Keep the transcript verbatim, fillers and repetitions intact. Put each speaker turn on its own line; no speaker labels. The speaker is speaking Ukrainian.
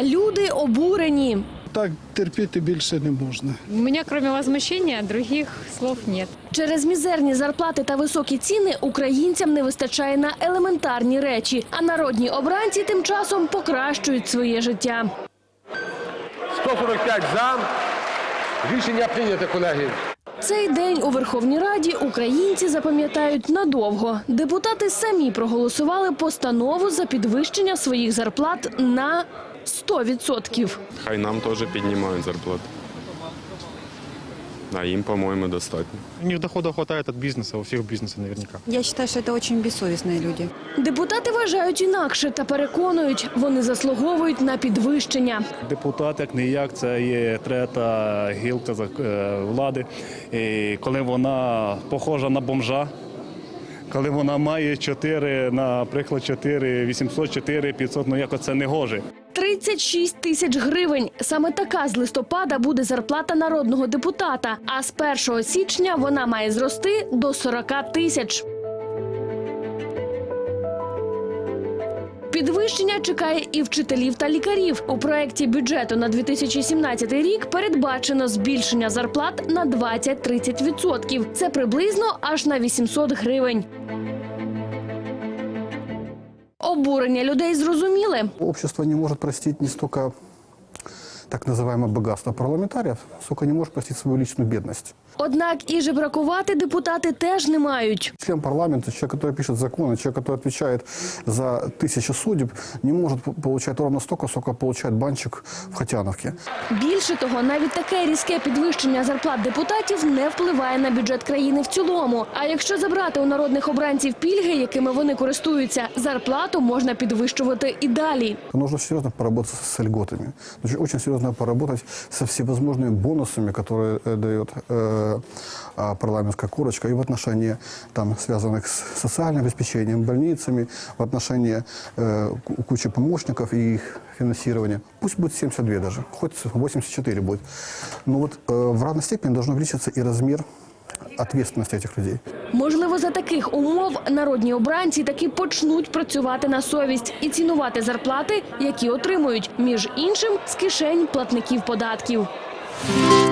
Люди обурені.
Так терпіти більше не можна.
У меня, кроме возмущения, других слов нет.
Через мізерні зарплати та високі ціни українцям не вистачає на елементарні речі, а народні обранці тим часом покращують своє життя.
сто сорок п'ять за. Рішення прийнято, колеги.
Цей день у Верховній Раді українці запам'ятають надовго. Депутати самі проголосували постанову за підвищення своїх зарплат на сто відсотків.
Хай нам теж піднімають зарплату. А їм, по-моєму, достатньо.
У них дохода хватает от бизнеса, у всех бизнеса наверняка.
Я считаю, что это очень бессовестные люди.
Депутати вважають інакше та переконують, вони заслуговують на підвищення.
Депутат, як не як, це є третя гілка влади. І коли вона похожа на бомжа, коли вона має чотири, наприклад, чотири вісімсот, чотири п'ятсот, ну якось це не гоже.
тридцять шість тисяч гривень. Саме така з листопада буде зарплата народного депутата. А з першого січня вона має зрости до сорок тисяч. Підвищення чекає і вчителів та лікарів. У проєкті бюджету на дві тисячі сімнадцятий рік передбачено збільшення зарплат на двадцять-тридцять відсотків. Це приблизно аж на вісімсот гривень. Обурення людей зрозуміли.
Общество не может простить не столько так называемое богатство парламентариев, сколько не может простить свою личную бедность.
Однак і жебракувати депутати теж не мають.
Член парламента, человек, который пишет законы, человек, который отвечает за тысячи судеб, не может получать ровно столько, сколько получает банщик в Хотяновке.
Більше того, навіть таке різке підвищення зарплат депутатів не впливає на бюджет країни в цілому. А якщо забрати у народних обранців пільги, якими вони користуються, зарплату можна підвищувати і далі.
Нужно серьезно поработать с льготами. Нужно очень серьезно поработать со всевозможными бонусами, которые дает э, парламентская корочка, и в отношении, там, связанных с социальным обеспечением, больницами, в отношении э, кучи помощников и их финансирования. Пусть будет семьдесят два даже, хоть восемьдесят четыре будет. Но вот э, в равной степени должен увеличиться и размер ответственности этих людей.
Можливо, за таких умов народні обранці таки почнуть працювати на совість і цінувати зарплати, які отримують, між іншим, з кишень платників податків.